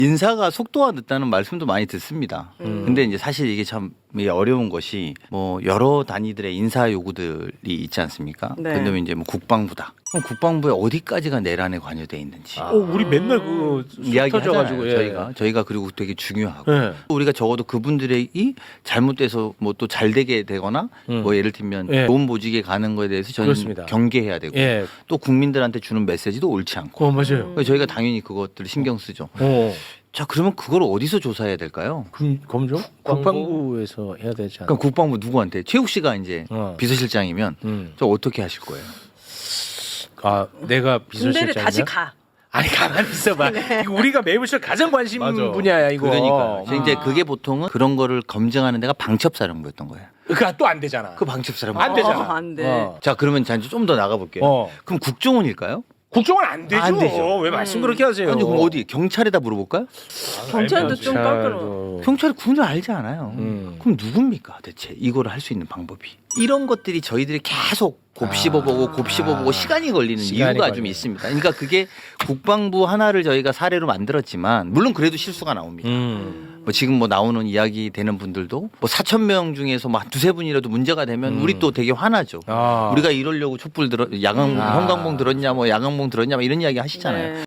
인사가 속도가 늦다는 말씀도 많이 듣습니다. 근데 이제 사실 이게 참 어려운 것이 뭐 여러 단위들의 인사 요구들이 있지 않습니까? 네. 근데 이제 뭐 국방부다. 그럼 국방부에 어디까지가 내란에 관여돼 있는지 우리 맨날 그 이야기 터져가지고 하잖아요. 저희가 그리고 되게 중요하고 예. 우리가 적어도 그분들이 잘못돼서 뭐 또 잘 되게 되거나 뭐 예를 들면 예. 좋은 보직에 가는 거에 대해서 저는 그렇습니다. 경계해야 되고 예. 또 국민들한테 주는 메시지도 옳지 않고 맞아요. 그래서 저희가 당연히 그것들을 신경 쓰죠. 자 그러면 그걸 어디서 조사해야 될까요? 검정? 국방부에서 해야 되지 않나? 그럼 국방부 누구한테? 최욱 씨가 이제 비서실장이면 저 어떻게 하실 거예요? 아 내가 비서실장이야? 군대를 다시 가. 아니 가만히 있어봐. 이거 우리가 매부쇼 가장 관심 맞아. 분야야 이거. 그러니까 이제 그게 보통은 그런 거를 검증하는 데가 방첩사령부였던 거예요. 그러니까 또 안 되잖아. 그 방첩사령부 안 되잖아. 안 돼. 자 그러면 좀 더 나가 볼게요. 그 그럼 국정원일까요? 국정원 안 되죠. 안 되죠. 왜 말씀 그렇게 하세요? 아니 그럼 어디 경찰에다 물어볼까요? 경찰도 좀 깎으러. 경찰도. 경찰이 군을 알지 않아요. 음. 그럼 누굽니까 대체 이거를 할 수 있는 방법이? 이런 것들이 저희들이 계속 곱씹어보고 곱씹어보고 시간이 걸리는 시간이 이유가 좀 걸려요. 있습니다. 그러니까 그게 국방부 하나를 저희가 사례로 만들었지만 물론 그래도 실수가 나옵니다. 뭐 지금 뭐 나오는 이야기 되는 분들도 뭐 4천 명 중에서 뭐 두세 분이라도 문제가 되면 우리 또 되게 화나죠. 우리가 이러려고 촛불 들어 야광 형광봉 들었냐 뭐 야광봉 들었냐 뭐 이런 이야기 하시잖아요. 네.